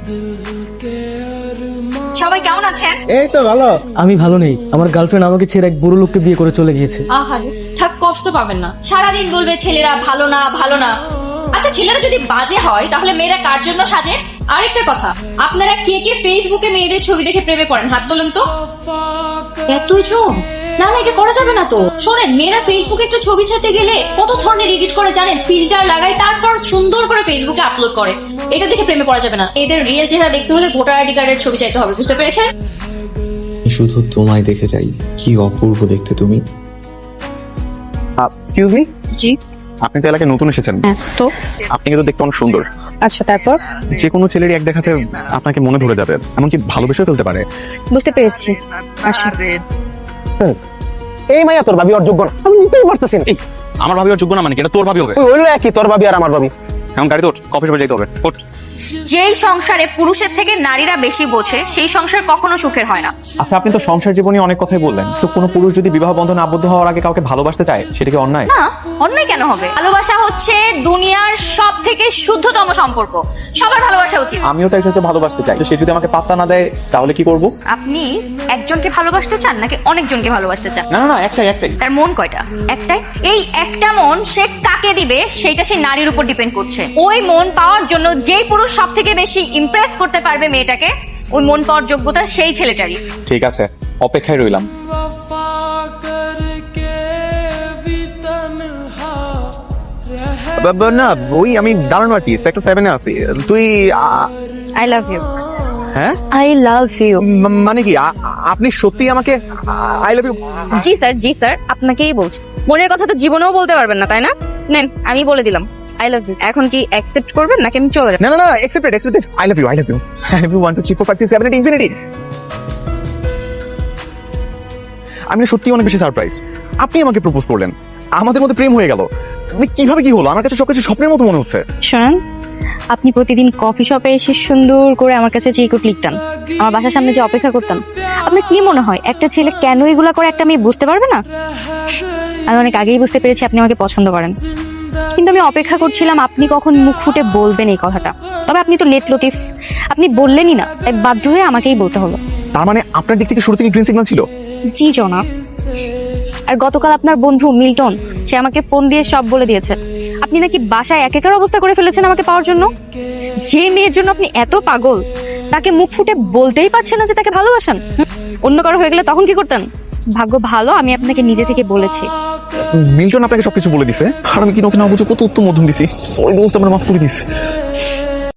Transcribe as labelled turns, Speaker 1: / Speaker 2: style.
Speaker 1: সবাই কেমন আছেন?
Speaker 2: এই তো ভালো। আমি ভালো নেই, আমার গার্লফ্রেন্ড আমাকে ছেড়ে এক বুড়ো লোককে বিয়ে করে চলে গিয়েছে।
Speaker 1: আহারে, থাক, কষ্ট পাবেন না। সারাদিন বলবে ছেলেরা ভালো না ভালো না। আচ্ছা, ছেলেরা যদি বাজে হয় তাহলে মেয়েরা কার জন্য সাজে? আরেকটা কথা, আপনারা কে কে ফেসবুকে মেয়েদের ছবি দেখে প্রেমে পড়েন? হাত তোলেন তো। এতজন? না না, এটা করা যাবে না তো। শোনেন, মেয়েরা ফেসবুকে একটু ছবি ছাড়তে গেলে কত ধরনের এডিট করে জানেন? ফিল্টার লাগায়, তারপর সুন্দর করে ফেসবুকে আপলোড করে। এটা দেখে প্রেমে পড়া যাবে না। এদের রিয়েল চেহারা দেখতে হলে ভোটার আইডি কার্ডের ছবি চাইতে হবে, বুঝতে পেরেছেন?
Speaker 3: শুধু তোমায় দেখে যাই, কি অপূর্ব দেখতে তুমি।
Speaker 4: এক্সকিউজ মি,
Speaker 1: জি।
Speaker 4: আপনি তো এলাকায় নতুন এসেছেন,
Speaker 1: হ্যাঁ তো।
Speaker 4: আপনি কিন্তু দেখতে অনেক সুন্দর।
Speaker 1: আচ্ছা, তারপর?
Speaker 4: যে কোনো ছেলেরই এক দেখাতে আপনাকে মনে ধরে যাবে, এমনকি ভালোবেসেও ফেলতে পারে।
Speaker 1: বুঝতে পেরেছি। আচ্ছা,
Speaker 5: এই মাইয়া তোর ভাবি ওর যোগ্য না, আমি নিতেই পারতেছি না।
Speaker 4: এই, আমার ভাবি ওর যোগ্য না মানে কি? এটা তোর ভাবি হবে।
Speaker 5: ওই হইলো একই, তোর ভাবি আর আমার ভাবি।
Speaker 4: এখন গাড়িতে ওঠ, কফি শপে যেতে হবে। ওঠ।
Speaker 1: যেই সংসারে পুরুষের থেকে নারীরা বেশি বোঝে সেই সংসার কখনো সুখের হয় না।
Speaker 4: আচ্ছা, আপনি তো সংসার জীবনে অনেক কথাই বললেন, তো কোনো পুরুষ যদি বিবাহ বন্ধনে আবদ্ধ হওয়ার আগে কাউকে ভালোবাসতে চায়, সেটা কি অন্যায়?
Speaker 1: না, অন্যায় কেন হবে? ভালোবাসা হচ্ছে দুনিয়ার সব থেকে শুদ্ধতম সম্পর্ক। সবার ভালোবাসা উচিত।
Speaker 4: আমিও তো একজনকে ভালোবাসতে চাই, তো সে যদি আমাকে পাত্তা না দেয় তাহলে কি করব?
Speaker 1: আপনি একজনকে ভালোবাসতে চান নাকি অনেকজনকে ভালোবাসতে চান?
Speaker 4: না না না, একটাই।
Speaker 1: তার মন কয়টা? একটাই। এই একটা মন সে কাকে দিবে সেটা সেই নারীর উপর ডিপেন্ড করছে। ওই মন পাওয়ার জন্য যেই পুরুষ সব থেকে বেশি ইমপ্রেস করতে পারবে মেয়েটাকে, ওই মন পাওয়ার যোগ্যতা সেই ছেলেটারই।
Speaker 4: ঠিক আছে, অপেক্ষায় রইলাম। না, ওই আমি দাঁড়ানো আর কি, সেক্টর 7 এ আছি। তুই
Speaker 1: আই লাভ ইউ।
Speaker 4: হ্যাঁ,
Speaker 1: আই লাভ ইউ।
Speaker 4: মানে কি আপনি সত্যি আমাকে আই লাভ ইউ?
Speaker 1: জি স্যার, জি স্যার, আপনাকেই বলছি। মনের কথা তো জীবনেও বলতে পারবেন না, তাই না? নেন, আমি বলে দিলাম আই লাভ ইউ। এখন কি অ্যাকসেপ্ট করবেন নাকি আমি চলে যাব?
Speaker 4: না না না, accepted. I love you. I love you 1 2 3 4 5 6 7 8 infinity. আমি সত্যি অনেক বেশি সারপ্রাইজ। আপনি আমাকে প্রপোজ করলেন, আমাদের মধ্যে প্রেম হয়ে গেল। কিভাবে কি হলো? আমার কাছে সবকিছু স্বপ্নের মতো মনে হচ্ছে।
Speaker 1: শোনেন, আপনি প্রতিদিন কফি শপে এসে সুন্দর করে আমার কাছে চিরকুট লিখতেন, আমার বাসার সামনে যে অপেক্ষা করতেন। আপনার কি মনে হয় একটা ছেলে কেন এগুলা করে একটা মেয়ে বুঝতে পারবে না? আমি অনেক আগেই বুঝতে পেরেছি আপনি আমাকে পছন্দ করেন, কিন্তু আমি অপেক্ষা করছিলাম আপনি কখন মুখ ফুটে বলবেন এই কথাটা। তবে আপনি তো লেট লতিফ, আপনি বললেনই না, তাই বাধ্য হয়ে আমাকেই বলতে হলো।
Speaker 4: তার মানে আপনার দিক থেকে শুরু থেকে গ্রিন সিগন্যাল ছিল?
Speaker 1: জি জনাব। আর গতকাল আপনার বন্ধু মিল্টন, সে আমাকে ফোন দিয়ে সব বলে দিয়েছে। আপনি নাকি বাসায় একাকার অবস্থা করে ফেলেছেন আমাকে পাওয়ার জন্য। যে মেয়ের জন্য আপনি এত পাগল, তাকে মুখ ফুটে বলতেই পারছেন না যে তাকে ভালোবাসেন। অন্য কারো হয়ে গেলে তখন কি করতেন? ভাগ্য ভালো আমি আপনাকে নিজে থেকে বলেছি।
Speaker 4: মিল্টন আপনাকে সবকিছু বলে দিছে, আর আমি কি ওকে না বুঝে কত উত্তম মধ্যম দিছি। সরি দোস্ত, আমার মাফ করে দিস।